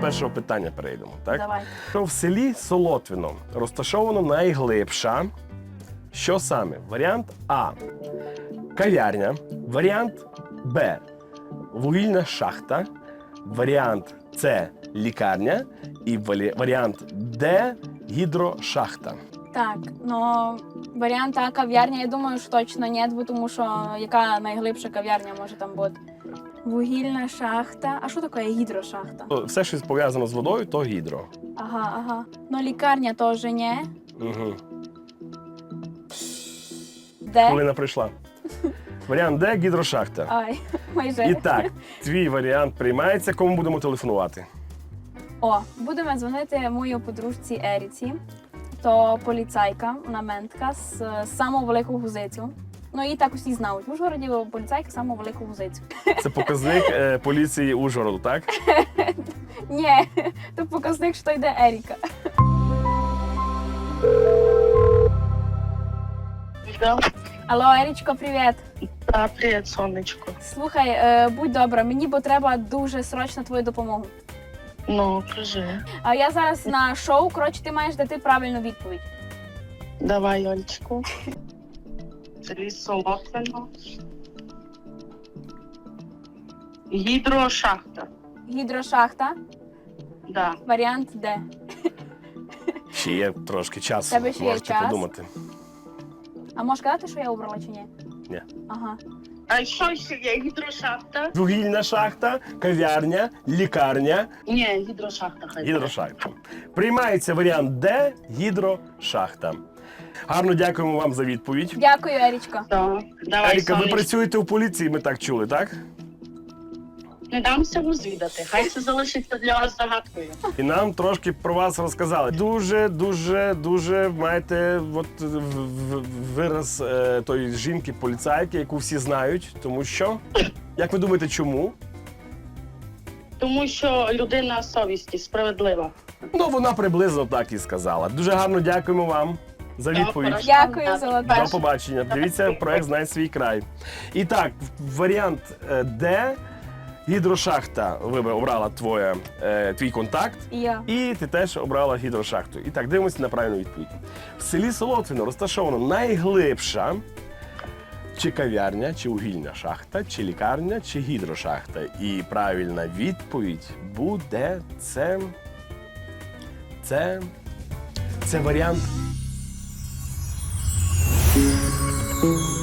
першого питання перейдемо. Так? Давай. Що в селі Солотвино розташовано найглибша? Що саме? Варіант А. Кав'ярня. Варіант Б. Вугільна шахта. Варіант С. Лікарня. І варіант Д. Гідрошахта. Так, ну варіант А кав'ярня, я думаю, що точно ні, бо тому що яка найглибша кав'ярня може там бути? Вугільна шахта. А що таке гідрошахта? Все, що пов'язано з водою, то гідро. Ага. Ну лікарня теж ні. Угу. Де? Хвилина прийшла. Варіант Д. Гідрошахта. Ай, майже. І так, твій варіант приймається. Кому будемо телефонувати? О, будемо дзвонити моїй подружці Еріці. То поліцайка, вона ментка з самого великого гузицю. Ну, її так усі знають. В Ужгороді поліцайка самого великого гузицю. Це показник поліції Ужгороду, так? Ні, то показник, що йде Еріка. Да. Алло, Ерічко, привіт. Да, привіт, сонечко. Слухай, будь добра, мені бо треба дуже срочно твою допомогу. Ну, кажи. А я зараз на шоу, коротше, ти маєш дати правильну відповідь. Давай, Олечку. Селі Солотвино. Гідрошахта. Гідрошахта, Да. варіант Д. Ще є трошки часу, Тебе ще є можете час? подумати. А можеш казати, що я обрала чи ні? Ні. Ага. А що ще є? Гідрошахта? Вугільна шахта, кав'ярня, лікарня, Ні, гідрошахта хай. гідрошахта. Приймається варіант Д. Гідрошахта. Гарно дякуємо вам за відповідь. Дякую, Ерічко. Да. Давай, Еріка, ви сонечко. працюєте у поліції, ми так чули, так? Не дамся розвідати. Хай це залишиться для вас загадкою. І нам трошки про вас розказали. Дуже маєте вираз тої жінки-поліцайки, яку всі знають. Тому що, як ви думаєте, чому? Тому що людина совісті, справедлива. Ну, вона приблизно так і сказала. Дуже гарно дякуємо вам за відповідь. Дякую, золота. До побачення. Дивіться проект «Знай свій край». І так, варіант Д. Гідрошахта ви обрала твій контакт. І я. І ти теж обрала гідрошахту. І так, дивимося на правильну відповідь. В селі Солотвино розташовано найглибша чи кав'ярня, чи вугільна шахта, чи лікарня, чи гідрошахта. І правильна відповідь буде це варіант